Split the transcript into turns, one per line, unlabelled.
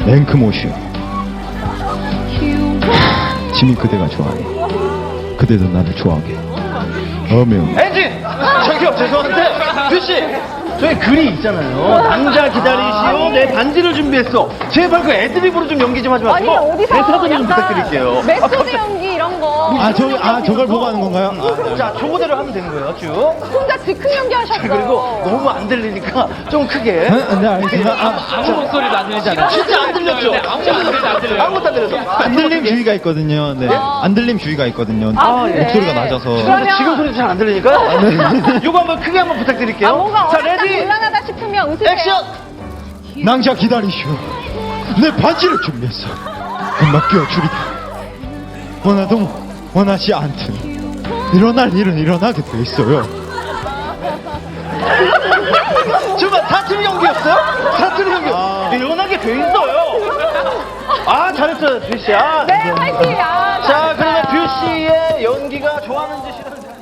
랭크모슈. 지민 그대가 좋아해. 그대도 나를 좋아하게. 어명.
엔진! 저기요, 죄송한데, 뷰씨! 저희 글이 있잖아요. 남자 기다리시오, 내 반지를 준비했어. 제발 그 애드립으로 좀 연기 좀 하지 마시고.
아니 어디서
대사도 좀
약간
부탁드릴게요.
메소드 연기 이런 거.
저걸 보고 하는 건가요?
자, 저거대로 하면 되는 거예요, 쭉.
혼자 즉흥 연기 하셨어요.
그리고 너무 안 들리니까 좀 크게.
네, 알겠습니다.
아무 목소리도 안 들리잖아요.
진짜 안 들렸죠?
아무 목소리도 안 들려요.
아무것도 안 들렸어.
안 들림 주의가 있거든요. 네. 안 들림 주의가 있거든요.
그래?
목소리가 낮아서.
그러면-
지금 소리도 잘 안 들리니까요. 요거 한번 크게 한번 부탁드릴게요.
아, 뭔가
자,
어렵다
레디,
곤란하다 싶으면 웃으세요.
액션!
낭자 기다리시오. 내 반지를 준비했어. 금방 끼워주리다. 원하도 원하지 않든 일어날 일은 일어나게 돼 있어요.
정말 사투리 연기였어요? 사투리 연기. 일어나게 돼 있어요. 아, 잘했어요, 뷰씨. 아.
네, 화이팅. 아,
자, 그러면
잘했어요.
뷰씨의 연기가 좋았는지 싫었는지.